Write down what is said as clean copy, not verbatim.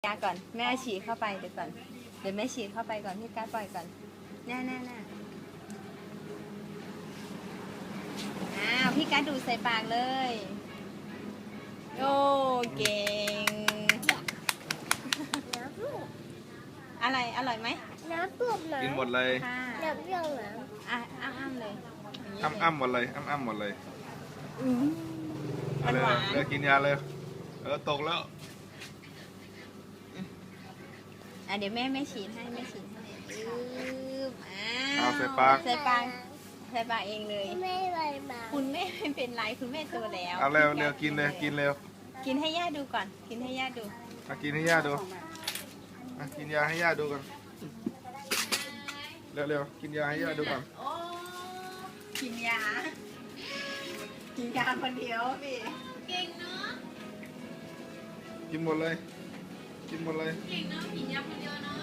าก่อนแม่ฉีดเข้าไปเดี๋ยวก่อนเดี๋ยวแม่ฉีดเข้าไปก่อนพี่การปล่อยก่อนแน่พี่การดูดใส่ปากเลยโอ้เก่งอะไรอร่อยไหมน้ำปุบนะกินหมดเลยค่ะน้ำเปรี้ยวนะอ้ำเลยอ้ำหมดเลยอ้ำหมดเลยมันหวานเลยกินยาเลยตกแล้วเดี๋ยวแม่ฉีดให้เอาใส่ปากใส่ปากเองเลยไม่ไรมาคุณแม่ไม่เป็นไรคุณแม่โตแล้วเอาเร็วกินเลยกินเร็วกินให้ย่าดูก่อนกินให้ย่าดูกินให้ย่าดูกินยาให้ย่าดูก่อนเร็วกินยาให้ย่าดูก่อนโอ้กินยาคนเดียวพี่เก่งเนาะกินหมดเลยเก่งเนาะกินยาคนเดียวเนาะ